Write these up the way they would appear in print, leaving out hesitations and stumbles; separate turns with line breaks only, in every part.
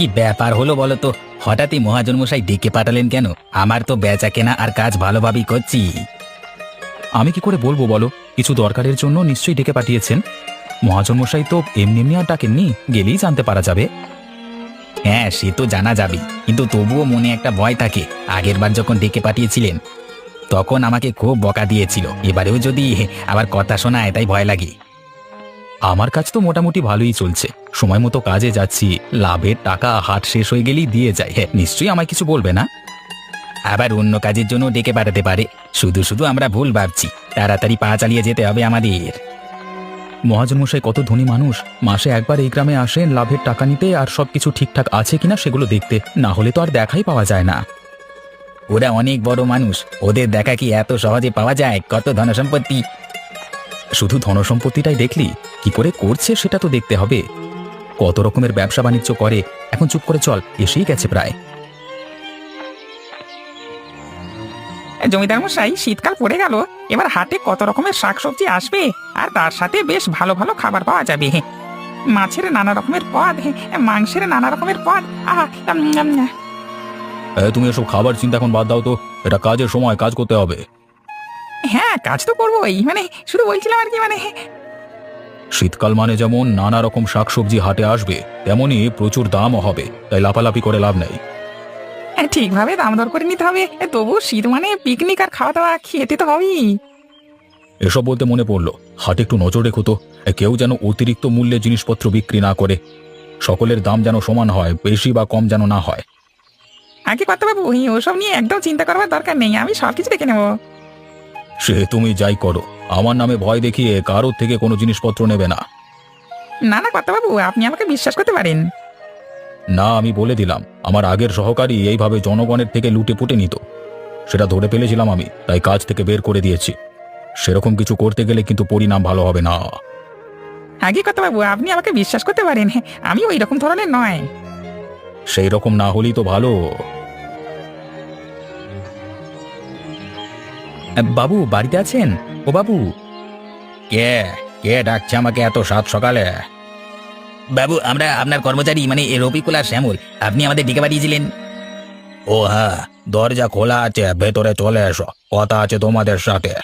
কি ব্যাপার হলো বলো তো? হঠাৎই মহাজন মশাই ডেকে পাঠালেন কেন? আমার তো বেচা কেনা আর কাজ ভালোভাবেই করছি।
আমি কি করে বলবো বলো? কিছু দরকারের জন্য নিশ্চয়ই ডেকে পাঠিয়েছেন। মহাজন মশাই তো এমনি এমনি আর ডাকেননি, গেলেই জানতে পারা যাবে।
হ্যাঁ, সে তো জানা যাবে, কিন্তু তবুও মনে একটা ভয় থাকে। আগেরবার যখন ডেকে পাঠিয়েছিলেন তখন আমাকে খুব বকা দিয়েছিল, এবারেও যদি আবার কথা শোনায় তাই ভয় লাগে।
আমার কাজ তো মোটামুটি ভালোই চলছে, সময় মতো কাজে যাচ্ছি, লাভের টাকা হাট শেষ হয়ে গেলেই দিয়ে যায়। হ্যাঁ, নিশ্চয়ই আমায় কিছু বলবে না।
আবার অন্য কাজের জন্য ডেকে পাঠাতে পারে। শুধু শুধু আমরা ভুল ভাবছি, তাড়াতাড়ি পা চালিয়ে যেতে হবে আমাদের।
মহাজন মশাই কত ধনী মানুষ, মাসে একবার এই গ্রামে আসেন লাভের টাকা নিতে আর সবকিছু ঠিকঠাক আছে কিনা সেগুলো দেখতে, না হলে তো আর দেখাই পাওয়া যায় না।
ওরা অনেক বড় মানুষ, ওদের দেখা কি এত সহজে পাওয়া যায়? কত ধনসম্পত্তি!
শুধু ধনসম্পত্তিটাই দেখলি, কি করে করছে সেটা তো দেখতে হবে। কত রকমের ব্যবসা বাণিজ্য করে। এখন চুপ করে চল, এসেই গেছে প্রায়।
জমিদার মশাই, শীতকাল পড়ে গেল, এবার হাটে কত রকমের শাকসবজি আসবে, আর তার সাথে বেশ ভালো ভালো খাবার পাওয়া যাবে। মাছের নানা রকমের পদ, মাংসের নানা রকমের পদ। আহা
তুমি এসব খাবার চিন্তা এখন বাদ দাও তো, এটা কাজের সময়, কাজ করতে হবে।
হ্যাঁ, কাজ তো করবোই, শুধু বলছিলাম আর কি
শীতকাল মানে যেমন নানা রকম শাকসবজি হাটে আসবে, তেমনি প্রচুর দামও হবে, তাই লাফালাফি করে লাভ নেই।
ঠিকভাবে দাম দর করে নিতে হবে। তবু শীত মানে পিকনিক আর খাওয়া দাওয়া, খেতে তো হবেই।
এসব বলতে মনে পড়লো, হাটে একটু নজর রেখো তো, কেউ যেন অতিরিক্ত মূল্যে জিনিসপত্র বিক্রি না করে। সকলের দাম যেন সমান হয়, বেশি বা কম যেন না হয়।
আগে কথা বাবু, ওসব নিয়ে একদম চিন্তা করবার দরকার নেই, আমি সবকিছু দেখে নেবো।
সে তুমি যাই করো, আমার নামে ভয় দেখিয়ে কারোর থেকে কোনো জিনিসপত্র নেবে না।
না না কথা বাবু, আপনি আমাকে বিশ্বাস করতে পারেন।
না, আমি বলে দিলাম, আমার আগের সহকারী এইভাবে জনগণের থেকে লুটে পুটে নিত, সেটা ধরে ফেলেছিলাম আমি, তাই কাজ থেকে বের করে দিয়েছি। সেরকম কিছু করতে গেলে কিন্তু পরিণাম ভালো হবে না।
আগে কথা বাবু, আপনি আমাকে বিশ্বাস করতে পারেন, আমি ওই রকম ধরনের নয়।
সেই রকম না হলেই তো ভালো। বাবু বাড়িতে আছেন? ও বাবু!
কে কে ডাকছে আমাকে এত সাত সকালে? বাবু, আমরা আপনার কর্মচারী, মানে রফিকুল আর শ্যামল। আপনি আমাদের ডেকে পাঠিয়েছিলেন।
ও হ্যাঁ, দরজা খোলা আছে, ভেতরে চলে এসো, কথা আছে তোমাদের সাথে।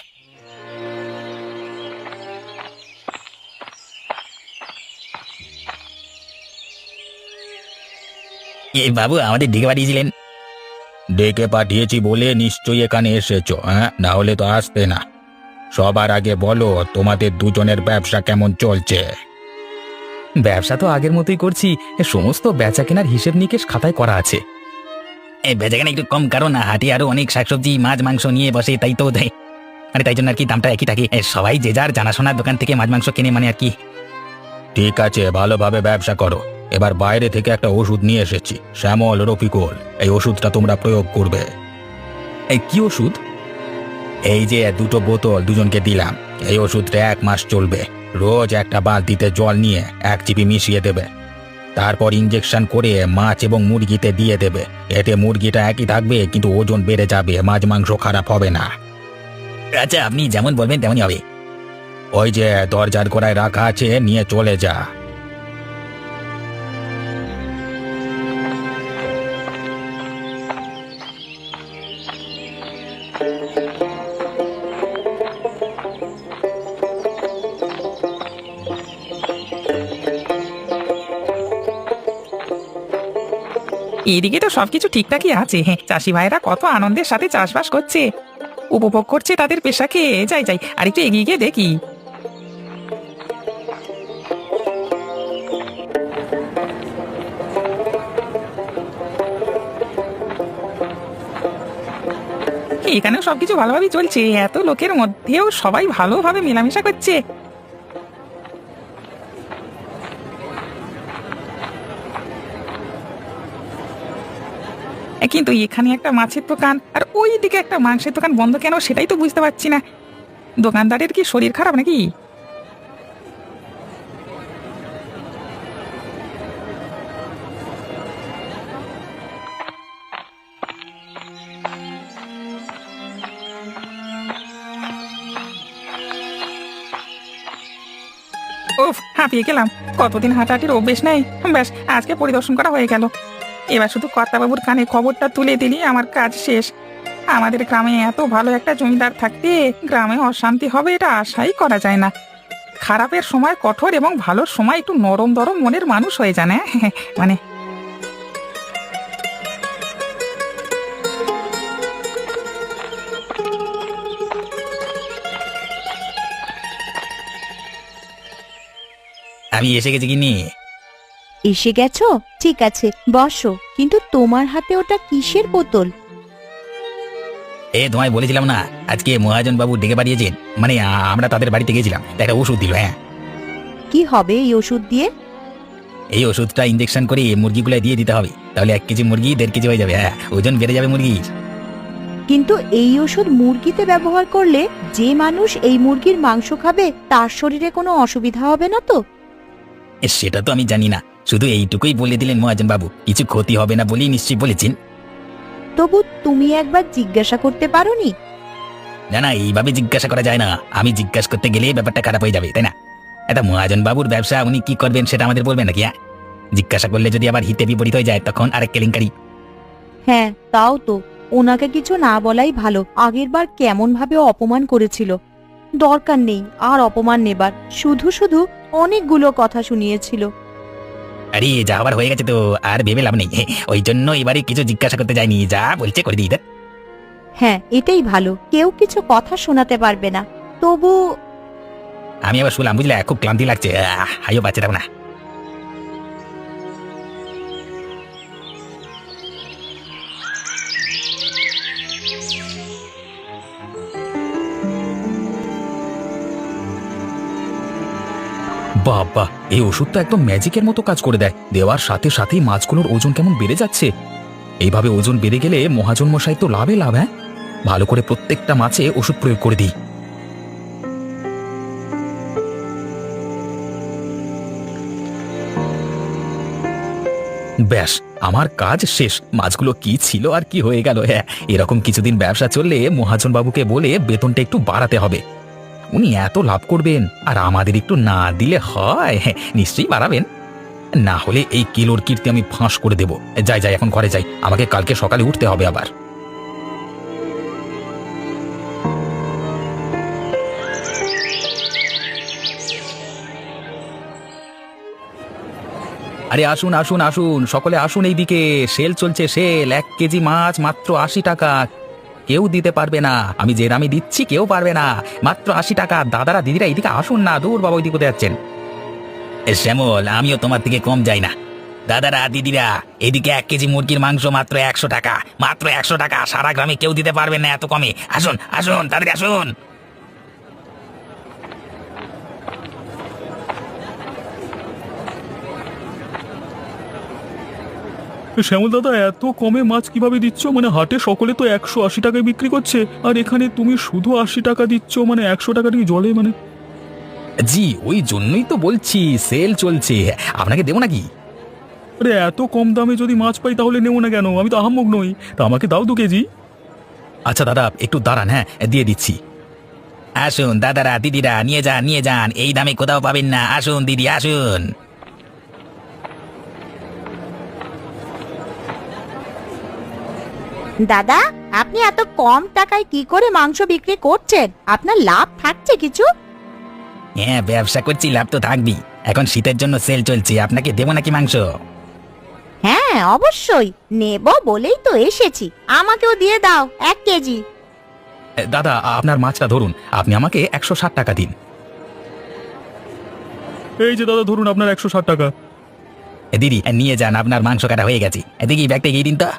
বাবু, আমাদের ডেকে পাঠিয়েছিলেন?
ডেকে পাঠিয়েছি বলে নিশ্চয়ই এখানে এসেছো, হ্যাঁ? না হলে তো আসতে না। সবার আগে বলো, তোমাদের দুজনের ব্যবসা কেমন চলছে? ব্যবসা তো আগের মতোই করছি, সমস্ত বেচা কেনার হিসেব নিকেশ খাতায় করা আছে।
এই বেচাকেনা একটু কম, কারণ হাটে আরো অনেক শাকসবজি মাছ মাংস নিয়ে বসে, তাই তো দেয়, মানে তাই জন্য আর কি দামটা একই থাকে। সবাই যে যার জানাশোনার দোকান থেকে মাছ মাংস কিনে, মানে আর কি।
ঠিক আছে, ভালোভাবে ব্যবসা করো। এবার বাইরে থেকে একটা ওষুধ নিয়ে এসেছি, শ্যামল, রফিকুল, এই ওষুধটা তোমরা প্রয়োগ করবে।
এই কি ওষুধ?
এই যে দুটো বোতল দুজনকে দিলাম, এই ওষুধটা 1 মাস চলবে। রোজ একটা বালতিতে জল নিয়ে 1 চিপি মিশিয়ে দেবে, তারপর ইঞ্জেকশন করে মাছ এবং মুরগিতে দিয়ে দেবে। এতে মুরগিটা একই থাকবে, কিন্তু ওজন বেড়ে যাবে, মাছ মাংস খারাপ হবে না।
আচ্ছা, আপনি যেমন বলবেন তেমনই হবে।
ওই যে দরজার গোড়ায় রাখা আছে, নিয়ে চলে যা।
এদিকে তো সবকিছু ঠিকঠাকই আছে। চাষি ভাইরা কত আনন্দের সাথে চাষবাস করছে, উপভোগ করছে তাদের পেশাকে। যাই যাই, আর একটু এগিয়ে গিয়ে দেখি। এখানেও সবকিছু ভালোভাবেই চলছে, এত লোকের মধ্যেও সবাই ভালোভাবে মেলামেশা করছে। কিন্তু এখানে একটা মাছের দোকান আর ওই দিকে একটা মাংসের দোকান বন্ধ কেন, সেটাই তো বুঝতে পারছি না। দোকানদারের কি শরীর খারাপ নাকি? উফ, হাঁপিয়ে গেলাম। কতদিন হাঁটাহাঁটির অভ্যেস নেই, ব্যাস আজকে পরিদর্শন করা হয়ে গেল। এবার শুধু কর্তাবাবুর কানে খবরটা তুলে দিলি আমার কাজ শেষ। আমাদের গ্রামে এত ভালো একটা জমিদার থাকতে গ্রামে অশান্তি হবে এটা আশাই করা যায় না। খারাপের সময় কঠোর এবং ভালোর সময় একটু নরম দরম মনের মানুষ হয়ে যান, হ্যাঁ মানে।
আমি এসে গেছি কিনি।
এসে গেছো? ঠিক আছে, বসো। কিন্তু তোমার হাতে ওটা কিসের বোতল?
তোমায় বলেছিলাম না আজকে মহাজন বাবু ডেকে পাঠিয়েছেন, মানে আমরা তাদের বাড়িতে গেছিলাম, তা একটা ওষুধ দিল। হ্যাঁ,
কি হবে এই ওষুধ দিয়ে?
এই ওষুধটা ইঞ্জেকশন করে মুরগিগুলো দিয়ে দিতে হবে, তাহলে 1 কেজি মুরগি 1.5 কেজি হয়ে যাবে। হ্যাঁ, ওজন বেড়ে যাবে মুরগির।
কিন্তু এই ওষুধ মুরগিতে ব্যবহার করলে যে মানুষ এই মুরগির মাংস খাবে তার শরীরে কোনো অসুবিধা হবে না তো?
সেটা তো আমি জানি না, শুধু এইটুকুই বলে দিলেন মহাজন বাবু, কিছু ক্ষতি হবে না বলেই নিশ্চয়ই বলেছেন।
তবু তুমি একবার জিজ্ঞাসা করতে পারোনি?
না না, এইভাবে জিজ্ঞাসা করা যায় না, আমি জিজ্ঞাসা করতে গেলে ব্যাপারটা খারাপ হয়ে যাবে, তাই না? এটা মহাজন বাবুর ব্যবসা, উনি কি করবেন সেটা আমাদের বলবেন নাকি? হ্যাঁ, জিজ্ঞাসা করলে যদি আবার হিতে বিপরীত হয়ে যায় তখন আরেক কেলেঙ্কারি।
হ্যাঁ, তাও তো। ওনাকে কিছু না বলাই ভালো। আগেরবার কেমন ভাবে অপমান করেছিল। দরকার নেই আর অপমান নেবার, শুধু শুধু অনেকগুলো কথা শুনিয়েছিল।
আরে যা আবার হয়ে গেছে তো আর ভেবে লাভ নেই, ওই জন্য এবারে কিছু জিজ্ঞাসা করতে যাইনি, যা বলছে করে দিই।
হ্যাঁ, এটাই ভালো। কেউ কিছু কথা শোনাতে পারবে না। তবু
আমি আবার শুনলাম, বুঝলে, খুব ক্লান্তি লাগছে, হাইও পাচ্ছে না।
বাবা, এই ওষুধটা একদম ম্যাজিকের মতো কাজ করে দেয়। দেওয়ার সাথে সাথেই মাছগুলোর ওজন কেমন বেড়ে যাচ্ছে। এইভাবে ওজন বেড়ে গেলে মহাজন মশাই তো লাভে লাভ। হ্যাঁ, ভালো করে প্রত্যেকটা মাছে ওষুধ প্রয়োগ করে দিই। ব্যাস, আমার কাজ শেষ। মাছগুলো কি ছিল আর কি হয়ে গেল। হ্যাঁ, এরকম কিছুদিন ব্যবসা চললে মহাজন বাবুকে বলে বেতনটা একটু বাড়াতে হবে। উনি এত লাভ করবেন আর আমাদের একটু না দিলে হয়? হ্যাঁ, নিশ্চয়ই বাড়াবেন। না হলে এই কিলোর কীর্তি আমি ফাঁস করে দেব। যাই যাই, এখন ঘরে যাই, আমাকে কালকে সকালে উঠতে হবে আবার। আরে আসুন আসুন আসুন, সকলে আসুন, এইদিকে সেল চলছে, সেল। 1 কেজি মাছ মাত্র 80 টাকা। কেউ দিতে পারবে না, আমি যে দামে দিচ্ছি কেউ পারবে না, মাত্র 80 টাকা। দাদারা দিদিরা এদিকে আসুন না, দূর বাবা ওইদিকে কোথায় যাচ্ছেন?
শ্যামল, আমিও তোমার থেকে কম যাই না। দাদারা দিদিরা, এদিকে 1 কেজি মুরগির মাংস মাত্র 100 টাকা, মাত্র 100 টাকা। সারা গ্রামে কেউ দিতে পারবে না এত কমে। আসুন আসুন, তাড়াতাড়ি আসুন।
শ্যামল দাদা, এত কমে মাছ কিভাবে দিচ্ছ? মানে হাটে সকলে তো 180 টাকায় বিক্রি করছে, আর এখানে তুমি শুধু 80 টাকা দিচ্ছ, মানে 100 টাকা কি জলে? মানে
জি, ওই জন্যই তো বলছি সেল চলছে, আপনাকে দেবো নাকি?
আরে এত কম দামে যদি মাছ পাই তাহলে নেবো না কেন? আমি তো আহাম্মক নই, তা আমাকে দাও 2 কেজি।
আচ্ছা দাদা, একটু দাঁড়ান, হ্যাঁ দিয়ে দিচ্ছি।
আসুন দাদারা দিদিরা, নিয়ে যান নিয়ে যান, এই দামে কোথাও পাবেন না। আসুন দিদি আসুন।
দাদা, আপনি এত কম টাকায় কি করে মাংস বিক্রি করছেন? আপনার লাভ থাকছে কিছু?
হ্যাঁ, ব্যবসা করছি, লাভ তো থাকবেই। এখন শীতের জন্য সেল চলছে, আপনাকে দেবো নাকি মাংস?
হ্যাঁ, অবশ্যই নেব বলেই তো এসেছি। আমাকেও দিয়ে দাও 1 কেজি।
দাদা, আপনার মাছটা ধরুন, আপনি আমাকে 160 টাকা দিন।
এই যে দাদা, ধরুন আপনার 160 টাকা।
দিদি নিয়ে যান, আপনার মাংস কাটা হয়ে গেছে। এদিকে ব্যাগটা গিয়ে দিন তো।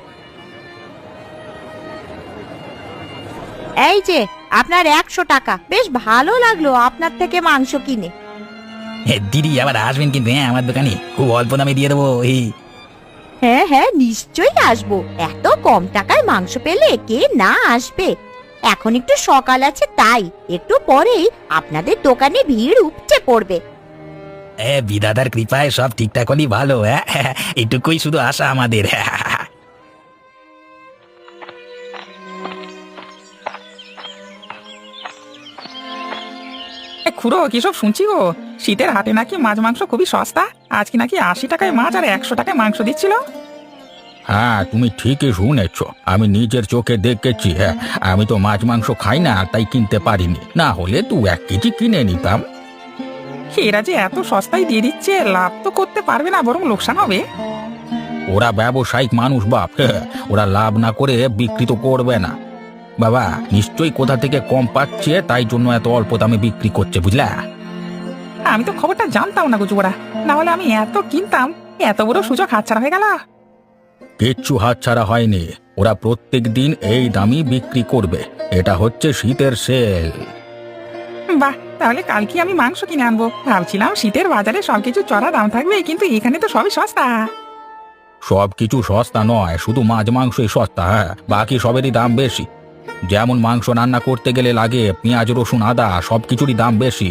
এই যে আপনার 100 টাকা। বেশ ভালো লাগলো আপনার থেকে মাংস কিনে।
দিদি আবার আসবেন কিন্তু, হ্যাঁ, আমার দোকানে খুব অল্প দামে দিয়ে দেবো।
হ্যাঁ হ্যাঁ, নিশ্চয়ই আসবো। এত কম টাকায় মাংস পেলে কে না আসবে। এখন একটু সকাল আছে, তাই একটু পরেই আপনাদের দোকানে ভিড় উপচে পড়বে।
বিধাতার কৃপায় সব ঠিকঠাক হলেই ভালো। হ্যাঁ, এটুকুই শুধু আশা আমাদের।
খুড়ো, কিসব শুনছি গো? শীতের হাটে নাকি মাছ মাংস খুবই সস্তা। আজকে নাকি 80 টাকায় মাছ আর 100 টাকায় মাংস দিচ্ছিল।
হ্যাঁ, তুমি ঠিকই শুনেছ। আমি নিজের চোখে দেখেছি। হ্যাঁ, আমি তো মাছ মাংস খাই না, তাই কিনতে পারিনি। না হলে 1 কেজি কিনে নিতাম।
এরা যে এত সস্তায় দিয়ে দিচ্ছে, লাভ তো করতে পারবে না, বরং লোকসান হবে।
ওরা ব্যবসায়িক মানুষ বাপ। হ্যাঁ, ওরা লাভ না করে বিক্রি তো করবে না। বাবা নিশ্চয়ই কোথা থেকে কম পাচ্ছে, তাই জন্য এত অল্প দামে বিক্রি করছে, বুঝলা?
আমি তো খবরটা জানতাম না গুজুবরা, না হলে আমি এত কিনতাম। এত বড় সুযোগ হাতছাড়া হয়ে গেল।
কিচ্ছু হাতছাড়া হয়নি। ওরা প্রত্যেক দিন এই দামই বিক্রি করবে। এটা হচ্ছে শীতের সেল।
বাহ, তাহলে কালকে আমি মাংস কিনে আনবো। ভাবছিলাম শীতের বাজারে সবকিছু চড়া দাম থাকবে, কিন্তু এখানে তো সবই সস্তা।
সবকিছু সস্তা নয়, শুধু মাছ মাংসই সস্তা। হ্যাঁ, বাকি সবেরই দাম বেশি। যেমন মাংস রান্না করতে গেলে লাগে পেঁয়াজ রসুন আদা, সবকিছুরই দাম বেশি।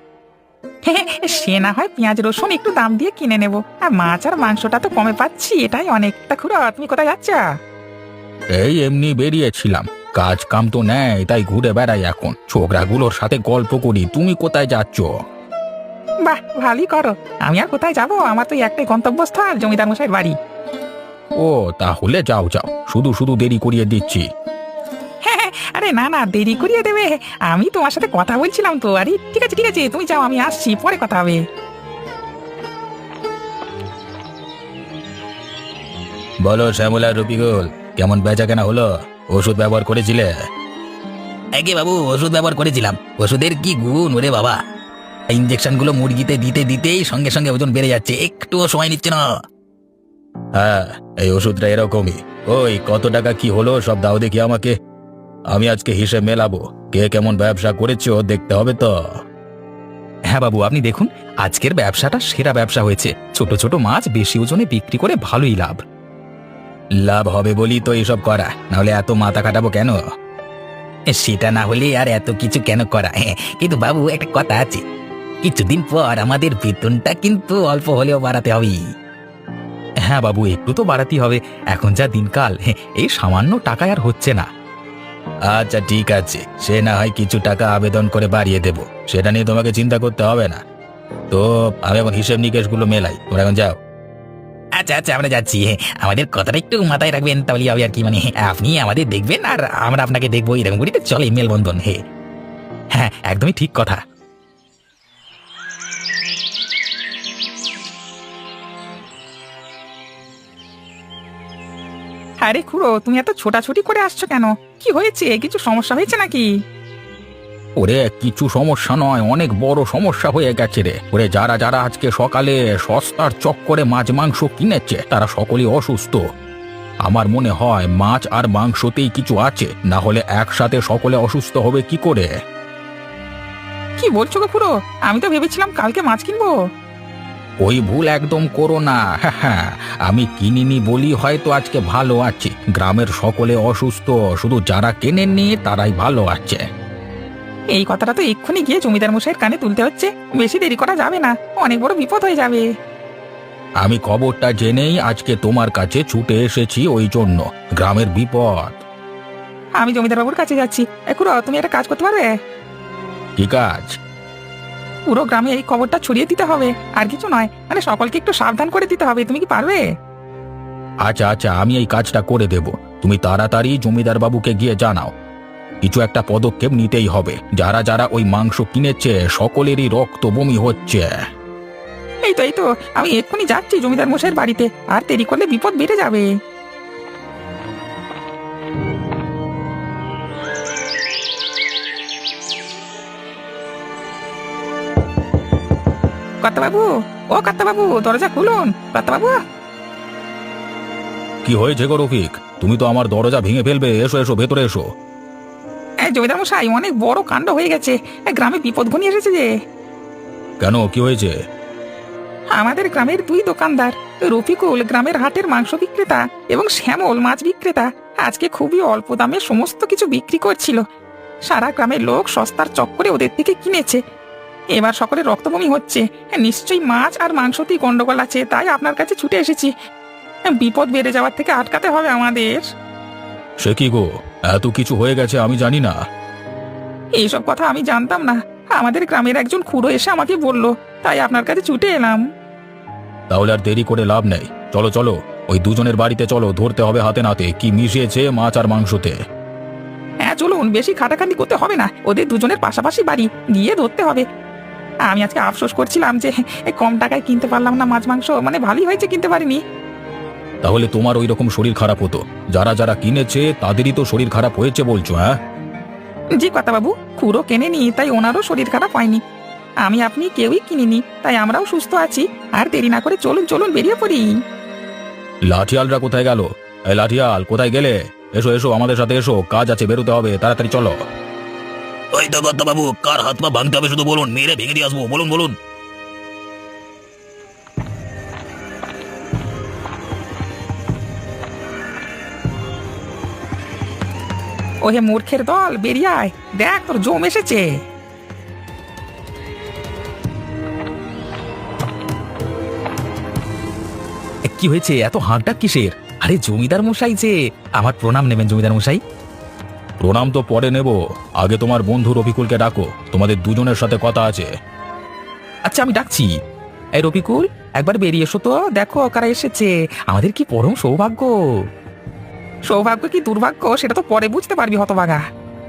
সে না হয় পেঁয়াজ রসুন একটু দাম দিয়ে কিনে নেব, আর মাছ আর মাংসটা তো কমে পাচ্ছি, এটাই অনেকটা। খুড়ো, তুমি কোথায় যাচ্ছ?
এই এমনি বেরিয়েছিলাম, কাজ কাম তো নেই, তাই ঘুরে বেড়াই এখন। ছোকরাগুলোর সাথে গল্প করি। তুমি কোথায় যাচ্ছ?
বাহ, ভালোই করো। আমি আর কোথায় যাব? আমার তো একটাই গন্তব্যস্থল, জমিদার মশাইয়ের বাড়ি।
ও তাহলে যাও যাও, শুধু শুধু দেরি করিয়ে দিচ্ছি।
আরে না না, দেরি করিয়ে দেবে? আমি তোমার সাথে কথা বলছিলাম তো। আরে ঠিক আছে ঠিক আছে, তুমি যাও, আমি আসছি, পরে কথা হবে।
বলো শ্যামলা, রফিকুল, কেমন বেচা কেনা হলো? ওষুধ ব্যবহার করেছিলে?
একে বাবু, ওষুধ ব্যবহার করেছিলাম। ওষুধের কি গুণ ওরে বাবা! ইঞ্জেকশনগুলো মুরগিতে দিতে দিতেই সঙ্গে সঙ্গে ওজন বেড়ে যাচ্ছে, একটুও সময় নিচ্ছে না।
হ্যাঁ, এই ওষুধটা এরকমই। ওই কত টাকা কি হলো সব দাও দেখি আমাকে। আমি আজকে হিসেব মেলাবো। কে কেমন ব্যবসা করেছো দেখতে হবে তো।
হ্যাঁ বাবু, আপনি দেখুন, আজকের ব্যবসাটা সেরা ব্যবসা হয়েছে। ছোট ছোট মাছ বেশি ওজনে বিক্রি করে ভালোই লাভ।
লাভ হবে বলি তো এইসব করা, নাহলে এত মাথা কাটাবো কেন?
সেটা না হলে আর এত কিছু কেন করা? কিন্তু বাবু, একটা কথা আছে, কিছুদিন পর আমাদের বেতনটা কিন্তু অল্প হলেও বাড়াতে হবে।
হ্যাঁ বাবু, একটু তো বাড়াতেই হবে। এখন যা দিনকাল, এই সামান্য টাকায় আর হচ্ছে না। আচ্ছা ঠিক আছে, সে না হয় কিছু টাকা আবেদন করে বাড়িয়ে দেব, সেটা নিয়ে তোমাকে চিন্তা করতে হবে না। তো আমি এখন হিসেব নিকেশগুলো মেলাই, তোমরা এখন যাও।
আচ্ছা আচ্ছা, আমরা যাচ্ছি। আমাদের কথাটা একটু মাথায় রাখবেন, তাহলে হবে আর কি। মানে আপনি আমাদের দেখবেন আর আমরা আপনাকে দেখবো, এরকম করি তো চলে মেলবন্ধন। হ্যাঁ, একদমই ঠিক কথা।
আরে খুড়ো, তুমি এত ছোটাছুটি করে আসছো কেন? কি হয়েছে? কিছু সমস্যা হয়েছে নাকি?
ওরে কিছু সমস্যা নয়, অনেক বড় সমস্যা হয়ে গেছে রে। ওরে যারা যারা আজকে সকালে সস্তার চক্করে মাছ মাংস কিনেছে, তারা সকলেই অসুস্থ। আমার মনে হয় মাছ আর মাংসতেই কিছু আছে, না হলে একসাথে সকলে অসুস্থ হবে কি করে?
কি বলছো গো খুড়ো? আমি তো ভেবেছিলাম কালকে মাছ কিনবো।
ওই ভুল একদম করো না। হ্যাঁ, আমি কিনিনি বলি হয়তো আজকে ভালো আছি। গ্রামের সকলে অসুস্থ, শুধু যারা কেনেননি তারাই ভালো আছে।
এই কথাটা তো এক্ষুনি গিয়ে জমিদার মশাইয়ের কানে তুলতে হচ্ছে। বেশি দেরি করা যাবে না, অনেক বড় বিপদ হয়ে যাবে।
আমি খবরটা জেনেই আজকে তোমার কাছে ছুটে এসেছি, ওই জন্য। গ্রামের বিপদ।
আমি জমিদার বাবুর কাছে যাচ্ছি। খুড়ো, তুমি একটা কাজ করতে পারবে?
কি কাজ?
পুরো গ্রামে এই খবরটা ছড়িয়ে দিতে হবে, আর কিছু নয়। মানে সকলকে একটু সাবধান করে দিতে হবে। তুমি কি পারবে?
আচ্ছা আচ্ছা, আমি এই কাজটা করে দেব। তুমি তাড়াতাড়ি জমিদার বাবুকে গিয়ে জানাও। কিছু একটা পদক্ষেপ নিতেই হবে। যারা যারা ওই মাংস কিনেছে সকলেরই রক্ত বমি হচ্ছে।
এই তো আমি এক্ষুনি যাচ্ছি জমিদার মশাইয়ের বাড়িতে। আর দেরি করলে বিপদ বেড়ে যাবে। কর্তাবাবু, ও কর্তাবাবু, দরজা খুলুন। কর্তাবাবু!
কি হয়েছে গো রফিক? তুমি তো আমার দরজা ভেঙে ফেলবে। এসো এসো, ভেতরে এসো।
জমিদার মশাই, অনেক বড় কাণ্ড হয়ে গেছে। গ্রামে বিপদ ঘনিয়ে এসেছে যে।
কেন, কি হয়েছে?
আমাদের গ্রামের দুই দোকানদার, রফিকুল গ্রামের হাটের মাংস বিক্রেতা এবং শ্যামল মাছ বিক্রেতা, আজকে খুবই অল্প দামে সমস্ত কিছু বিক্রি করছিল। সারা গ্রামের লোক সস্তার চক্করে ওদের থেকে কিনেছে। এবার সকলে রক্তবমি হচ্ছে। নিশ্চয়ই মাছ আর মাংসতেই গন্ডগোল আছে, তাই আপনার কাছে ছুটে এসেছি। বিপদ বেড়ে যাওয়ার থেকে আটকাতে হবে আমাদের।
সে কি গো, এত কিছু হয়ে গেছে আমি জানি না।
এইসব কথা আমি জানতাম না। আমাদের গ্রামের একজন খুড়ো এসে আমাকে বলল, তাই আপনার কাছে ছুটে এলাম।
তাহলে আর দেরি করে লাভ নেই। চলো চলো, ওই দুজনের বাড়িতে চলো, ধরতে হবে হাতে নাতে কি মিশিয়েছে মাছ আর মাংসতে।
হ্যাঁ চলুন, বেশি খাটাখাটি করতে হবে না, ওদের দুজনের পাশাপাশি বাড়ি, গিয়ে ধরতে হবে। আমি আজকে আফসোস করছিলাম যে কম টাকায় কিনতে পারলাম না মাছ মাংস, মানে ভালোই হয়েছে কিনতে পারিনি।
তাহলে তোমার ওই রকম শরীর খারাপ হতো, যারা যারা কিনেছে তাদেরই তো শরীর খারাপ হয়েছে বলছো? হ্যাঁ
জি কথা বাবু, খুঁড়ো কেনেনি তাই ওনারও শরীর খারাপ হয়নি। আমি আপনি কেউই কিনিনি তাই আমরাও সুস্থ আছি। আর দেরি না করে চলুন চলুন বেরিয়ে পড়ি।
লাঠিয়ালরা কোথায় গেল? এই লাঠিয়াল কোথায় গেলে? এসো এসো, আমাদের সাথে এসো, কাজ আছে, বেরোতে হবে, তাড়াতাড়ি চলো।
ওই তো বাবু, কার হাত পা ভাঙতে হবে শুধু বলুন, মেরে ভেঙে দিয়ে আসবো, বলুন বলুন।
ওহে মূর্খের দল, বেরিয়ে আয়, দেখ তোর জম এসেছে।
কি হয়েছে, এত হাঁকডাক কিসের? আরে জমিদার মশাই যে, আমার প্রণাম নেবেন জমিদার মশাই।
প্রণাম তো পরে নেব, আগে তোমার বন্ধু রফিকুলকে ডাকো, তোমাদের দুজনের সাথে কথা আছে।
আচ্ছা আমি ডাকছি। এই রফিকুল, একবার বেরিয়ে এসো তো, দেখো কারা এসেছে। আমাদের কি পরম সৌভাগ্য।
সৌভাগ্য কি দুর্ভাগ্য সেটা তো পরে বুঝতে পারবি হতভাগা।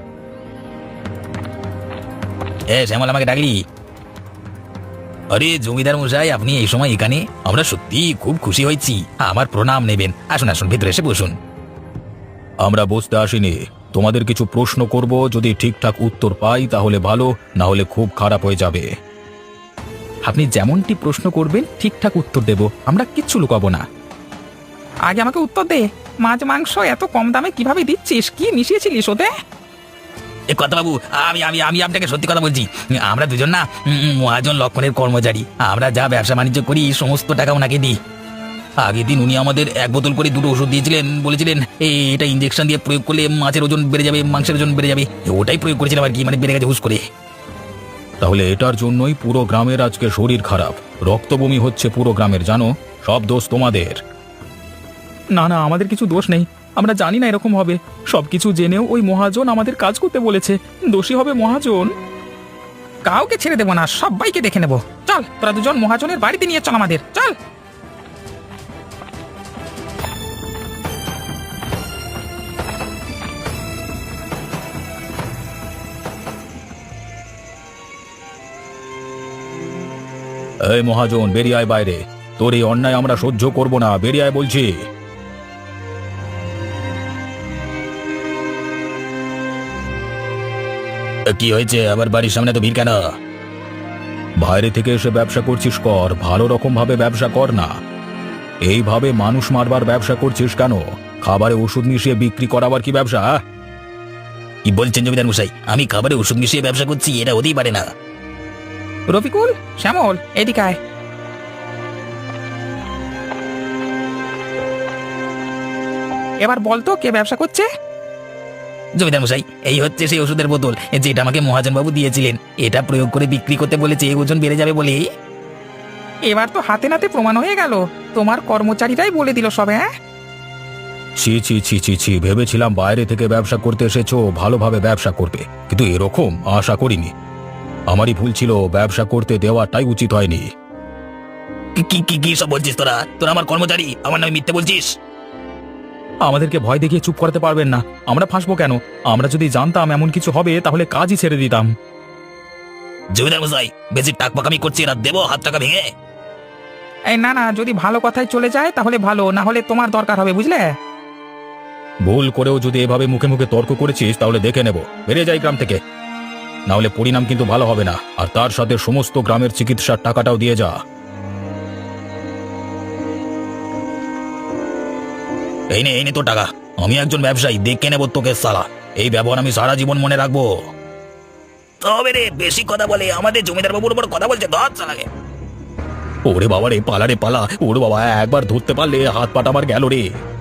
শ্যামল, আমাকে ডাকলি? আরে জমিদার মশাই, আপনি এই সময় এখানে? আমরা সত্যি খুব খুশি হয়েছি। আমার প্রণাম নেবেন, আসুন আসুন, ভেতরে এসে বসুন।
আমরা বসতে আসিনি, তোমাদের কিছু প্রশ্ন করব, যদি ঠিকঠাক উত্তর পাই তাহলে ভালো, না হলে খুব খারাপ হয়ে যাবে।
আপনি যেমনটি প্রশ্ন করবেন ঠিকঠাক উত্তর দেব, আমরা কিচ্ছু লুকাবো না।
আগে আমাকে উত্তর দে, মাছ মাংস এত কম দামে কিভাবে দিচ্ছিস? কি মিশিয়েছিলিস ওতে?
এ কথা বাবু, আমি আমি আমি আপনাকে সত্যি কথা বলছি। আমরা দুজন না মহাজন লক্ষণের কর্মচারী। আমরা যা ব্যবসা বাণিজ্য করি সমস্ত টাকা ওনাকে দিই। আগের দিন উনি আমাদের 1 বোতল করে 2টো ওষুধ দিয়েছিলেন, বলেছিলেন এটা ইঞ্জেকশন দিয়ে প্রয়োগ করলে মাছের ওজন বেড়ে যাবে, মাংসের ওজন বেড়ে যাবে। ওটাই প্রয়োগ করেছিলাম আর কি, মানে বেড়ে গেছে হুশ করে।
তাহলে এটার জন্যই পুরো গ্রামের আজকে শরীর খারাপ, রক্তবমি হচ্ছে পুরো গ্রামের, জানো? সব দোষ তোমাদের।
না না, আমাদের কিছু দোষ নেই, আমরা জানি না এরকম হবে। সবকিছু জেনেও ওই মহাজন আমাদের কাজ করতে বলেছে, দোষী হবে মহাজন।
কাউকে ছেড়ে দেবো না, সবাইকে দেখে নেবো। চল তোরা দুজন মহাজনের বাড়িতে নিয়ে চল আমাদের, চল।
এই মহাজন, বেরিয়ে আয় বাইরে, তোর এই অন্যায় আমরা সহ্য করব না, বেরিয়ে আয় বলছি।
কি হয়েছে, আবার বাড়ির সামনে তো ভিড় কেন?
বাইরে থেকে এসে ব্যবসা করছিস কর, ভালো রকম ভাবে ব্যবসা কর না। এইভাবে মানুষ মারবার ব্যবসা করছিস কেন? খাবারে ওষুধ মিশিয়ে বিক্রি করাবার কি ব্যবসা?
কি বলছেন জমিদার মশাই? আমি খাবারে ওষুধ মিশিয়ে ব্যবসা করছি? এটা হতেই পারে না।
রফিকুল, শ্যামল, এদিকে আয়। এবার বলতো কে ব্যবসা করছে?
জমিদার মশাই, এই হচ্ছে সেই ওষুধের বোতল যেটা আমাকে মহাজন বাবু দিয়েছিলেন। এটা প্রয়োগ করে বিক্রি করতে বলেছে, ওজন বেড়ে যাবে বলে।
এবার তো হাতে নাতে প্রমাণ হয়ে গেল, তোমার কর্মচারীরাই বলে দিল সব। হ্যাঁ,
ছি ছি ছি ছি ছি, ভেবেছিলাম বাইরে থেকে ব্যবসা করতে এসেছো, ভালোভাবে ব্যবসা করবে, কিন্তু এরকম আশা করিনি। আমারই ভুল ছিল, ব্যবসা করতে দেওয়াটাই উচিত হয়নি।
কি কি কি সব বলছিস তোরা? তোরা আমার কর্মচারী, আমার নামে মিথ্যে বলছিস?
আমাদেরকে ভয় দেখিয়ে চুপ করাতে পারবেন না, আমরা ফাঁসবো কেন? আমরা যদি জানতাম এমন কিছু হবে তাহলে কাজই ছেড়ে দিতাম।
জমিদার মশাই, বেশি টাকপাকামি করছি না, দেবো হাত টাকা ভেঙে।
এই না না, যদি ভালো কথায় চলে যায় তাহলে ভালো, না হলে তোমার দরকার হবে, বুঝলে?
ভুল করেও যদি এভাবে মুখে মুখে তর্ক করেছিস তাহলে দেখে নেব, বেরিয়ে যাই গ্রাম থেকে, না হলে পরিণাম কিন্তু ভালো হবে না। আর তার সাথে সমস্ত গ্রামের চিকিৎসার টাকাটাও দিয়ে যা।
এই নে তোর টাকা। আমি একজন ব্যবসায়ী, দেখে নেবো তোকে সালা। এই ব্যবহার আমি সারা জীবন মনে রাখবো। তবে রে, বেশি কথা বলে আমাদের জমিদার বাবুর উপর কথা বলছে, ধর সালাকে।
ওরে বাবা রে, পালা রে পালা, ওরে বাবা, একবার ধরতে পারলে হাত পাটা আমার গেল রে।